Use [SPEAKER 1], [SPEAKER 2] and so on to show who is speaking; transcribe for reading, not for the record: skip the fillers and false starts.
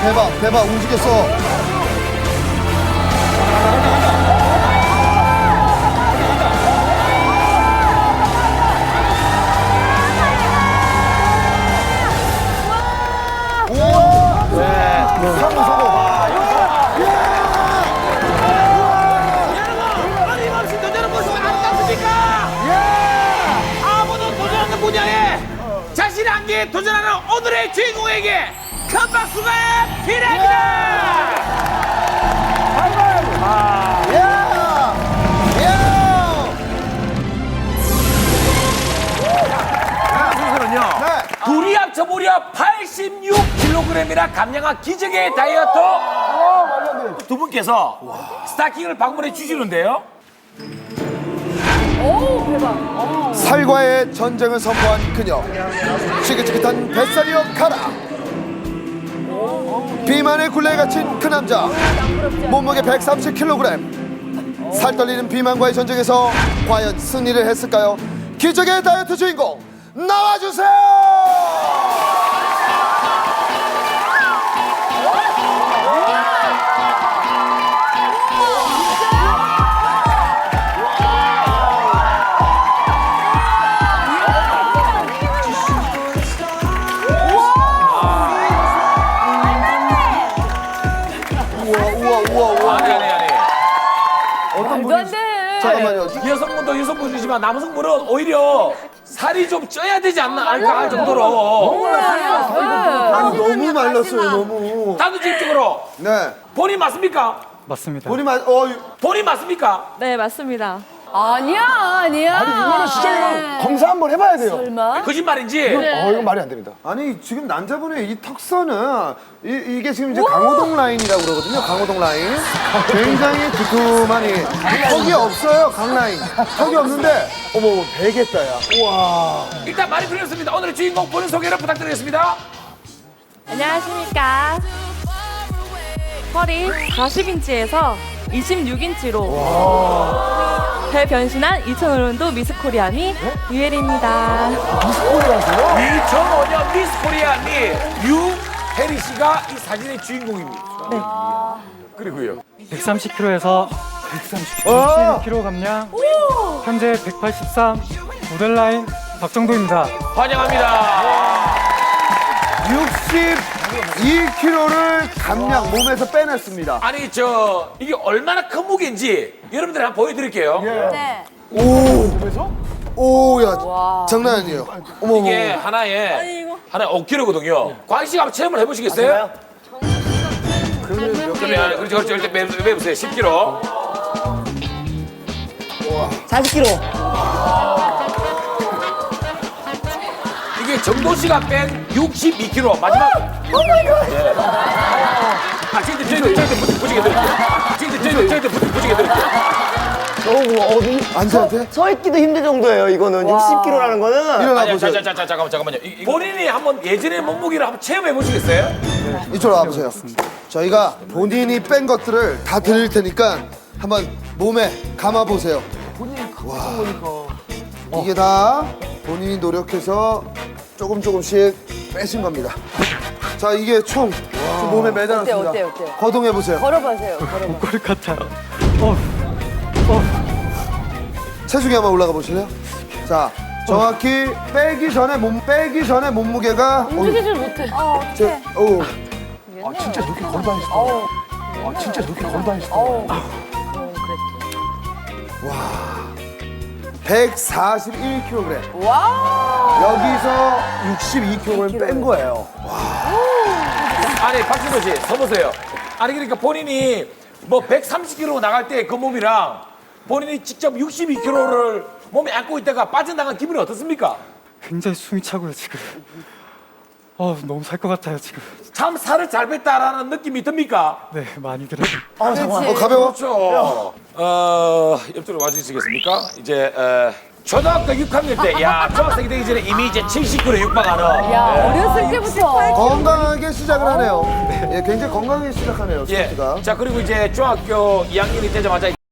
[SPEAKER 1] 대박 움직였어. 우와. 네. 성공.
[SPEAKER 2] 여러분, 어림없이 도전하는 모습 아름답습니까? 아무도 도전하는 분야에 자신의 한계에 도전하는 오늘의 주인공에게 큰 박수가 필요합니다. 순서는요. 둘이 합쳐 무려 86kg이나 감량한 기적의 다이어트 두 분께서 스타킹을 방문해 주시는데요.
[SPEAKER 1] 살과의 전쟁을 선포한 그녀. 지긋지긋한 뱃살이여 가라. 비만의 굴레에 갇힌 그 남자. 몸무게 130kg. 살 떨리는 비만과의 전쟁에서 과연 승리를 했을까요? 기적의 다이어트 주인공 나와주세요. 우와.
[SPEAKER 2] 아니.
[SPEAKER 1] 어떤
[SPEAKER 3] 말도 안 돼.
[SPEAKER 1] 잠깐만요.
[SPEAKER 2] 여성분도 여성분이지만 남성분은 오히려 살이 좀 쪄야 되지 않나 할 정도로
[SPEAKER 1] 아니, 너무 말랐어요. 너무.
[SPEAKER 2] 단도직입적으로
[SPEAKER 1] 네.
[SPEAKER 2] 본인 맞습니까?
[SPEAKER 4] 맞습니다.
[SPEAKER 2] 본인 맞습니까?
[SPEAKER 5] 네, 맞습니다.
[SPEAKER 3] 아니야.
[SPEAKER 1] 아니 이거는 진짜 검사 한번 해봐야 돼요.
[SPEAKER 3] 설마?
[SPEAKER 2] 거짓말인지?
[SPEAKER 1] 이건 말이 안 됩니다. 아니 지금 남자분의 이 턱선은 이게 지금 이제 강호동 라인이라고 그러거든요. 강호동 라인. 굉장히 두툼하니 턱이 없어요. 강 라인. 턱이 없는데 어머 베겠다 야. 우와.
[SPEAKER 2] 일단 말이 풀렸습니다. 오늘의 주인공 본인 소개를 부탁드리겠습니다.
[SPEAKER 5] 안녕하십니까. 허리 40인치에서 26인치로 배 변신한 2005년도 미스 코리아미 유혜리입니다.
[SPEAKER 2] 2005년 미스 코리아 미 유혜리 씨가 이 사진의 주인공입니다.
[SPEAKER 5] 네.
[SPEAKER 2] 그리고요.
[SPEAKER 4] 130kg에서 130kg 감량. 현재 183 모델 라인 박정도입니다.
[SPEAKER 2] 환영합니다.
[SPEAKER 1] 62kg를 감량 몸에서 빼냈습니다.
[SPEAKER 2] 아니 이게 얼마나 큰 무게인지 여러분들 한번 보여드릴게요.
[SPEAKER 3] 네.
[SPEAKER 1] 오야 장난 아니에요. 어머
[SPEAKER 2] 이게 하나에 5kg거든요. 광희 씨가 한번 체험을 해보시겠어요? 그러면 그렇죠. 일단 매보세요. 10kg.
[SPEAKER 3] 40kg.
[SPEAKER 2] 이게 정도 씨가 뺀 62kg 마지막. 저희들 부지게 드릴게요. 저희들 부지게 드릴게요.
[SPEAKER 1] 안지한테
[SPEAKER 6] 서 있기도 힘들 정도예요. 이거는 60kg라는 거는.
[SPEAKER 1] 일어나
[SPEAKER 2] 아니,
[SPEAKER 1] 보세요.
[SPEAKER 2] 잠깐만요. 본인이 한번 예전의 몸무게를 한번 체험해 보시겠어요?
[SPEAKER 1] 이쪽으로 와보세요. 저희가 본인이 뺀 것들을 다 드릴 테니까 한번 몸에 감아 보세요. 와, 이게 다 본인이 노력해서 조금씩 빼신 겁니다. 자, 이게 총 몸에 매달았습니다.
[SPEAKER 3] 어때요?
[SPEAKER 1] 거동해 보세요.
[SPEAKER 3] 걸어보세요.
[SPEAKER 4] 꼴 같아요.
[SPEAKER 1] 체중이 한번 올라가 보실래요? 자, 정확히 빼기 전에 몸무게가
[SPEAKER 3] 움직이질 못해.
[SPEAKER 1] 진짜 이렇게 걸어 다니시다. 와. 141kg.
[SPEAKER 3] 와.
[SPEAKER 1] 여기서 62kg를 뺀 거예요.
[SPEAKER 2] 아니 박진호 씨 서보세요. 아니 그러니까 본인이 뭐 130kg 나갈 때 그 몸이랑 본인이 직접 62kg를 몸에 안고 있다가 빠져나간 기분이 어떻습니까?
[SPEAKER 4] 굉장히 숨이 차고요 지금. 너무 살 것 같아요 지금.
[SPEAKER 2] 참 살을 잘 뺐다라는 느낌이 듭니까?
[SPEAKER 4] 네 많이 들어요.
[SPEAKER 1] 가벼워?
[SPEAKER 2] 그렇죠. 옆쪽으로 와주시겠습니까? 이제 초등학교 6학년 때, 중학생이 되기 전에 이미 이제 70kg 육박하는.
[SPEAKER 3] 야, 어렸을 때부터.
[SPEAKER 1] 건강하게 시작을 하네요. 예, 굉장히 건강하게 시작하네요,
[SPEAKER 2] 예.
[SPEAKER 1] 스포츠가.
[SPEAKER 2] 자 그리고 이제 중학교 2학년이 되자마자